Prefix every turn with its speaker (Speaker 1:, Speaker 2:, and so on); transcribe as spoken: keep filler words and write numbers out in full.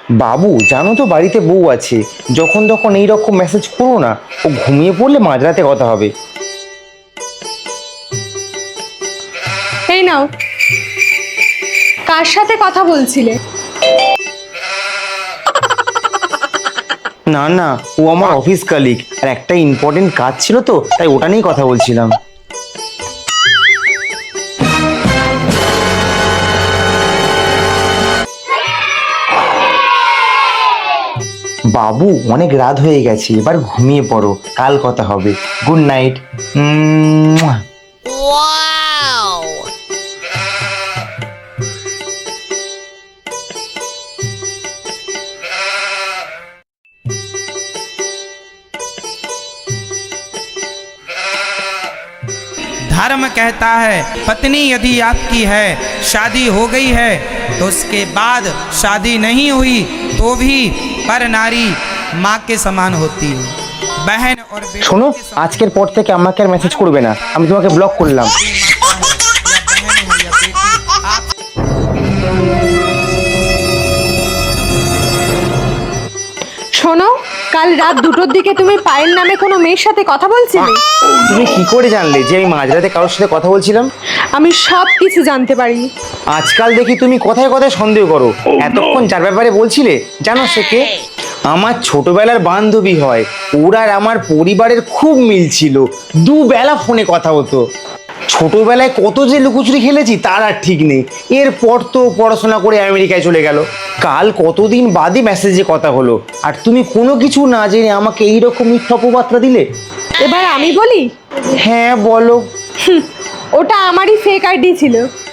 Speaker 1: বাবু জানো তো বাড়িতে বউ আছে, যখন তখন এইরকম মেসেজ করো না, ও ঘুমিয়ে পড়লে মাঝরাতে কথা হবে।
Speaker 2: এই নাও, কার সাথে কথা বলছিলে?
Speaker 1: না না, ও আমার অফিস কালিগ, আর একটা ইম্পর্টেন্ট কাজ ছিল তো, তাই ওটা নিয়েই কথা বলছিলাম। বাবু অনেক রাত হয়ে গেছে, এবার ঘুমিয়ে পড়ো, কাল কথা হবে। Good night.
Speaker 3: धर्म कहता है पत्नी यदि आपकी है, शादी हो गई है तो उसके बाद शादी नहीं हुई तो भी पर नारी माँ के समान होती है। बहन और बेटी
Speaker 1: শোনো,
Speaker 3: के समान
Speaker 1: আজকের পর থেকে আমাকে আর মেসেজ করবে না, আমি তোমাকে ব্লক করলাম।
Speaker 3: माता है, या बहन है या बेटी, आप
Speaker 2: শোনো, কাল রাত দুটোর দিকে তুমি পায়েল নামে কোনো মেয়ের সাথে কথা বলছিলে?
Speaker 1: তুমি কি করে জানলে যে আমি মাঝরাতে কারোর সাথে কথা বলছিলাম?
Speaker 2: আমি সব কিছু জানতে পারি।
Speaker 1: আজকাল দেখি তুমি কথায় কথায় সন্দেহ করো। এতক্ষণ যার ব্যাপারে বলছিলে, জানো সে কে? আমার ছোটবেলার বান্ধবী হয়। ওর আর আমার পরিবারের খুব মিল ছিল, দুবেলা ফোনে কথা হতো। ছোটবেলায় কত যে লুকোচুরি খেলেছি তার আর ঠিক নেই। এরপর তো পড়াশোনা করে আমেরিকায় চলে গেল। কাল কতদিন বাদে মেসেজে কথা হলো, আর তুমি কোনো কিছু না জেনে আমাকে এইরকম মিথ্যা অপবাদটা দিলে।
Speaker 2: এবার আমি বলি,
Speaker 1: হ্যাঁ বলো।
Speaker 2: ওটা আমারই ফেক আইডি ছিল।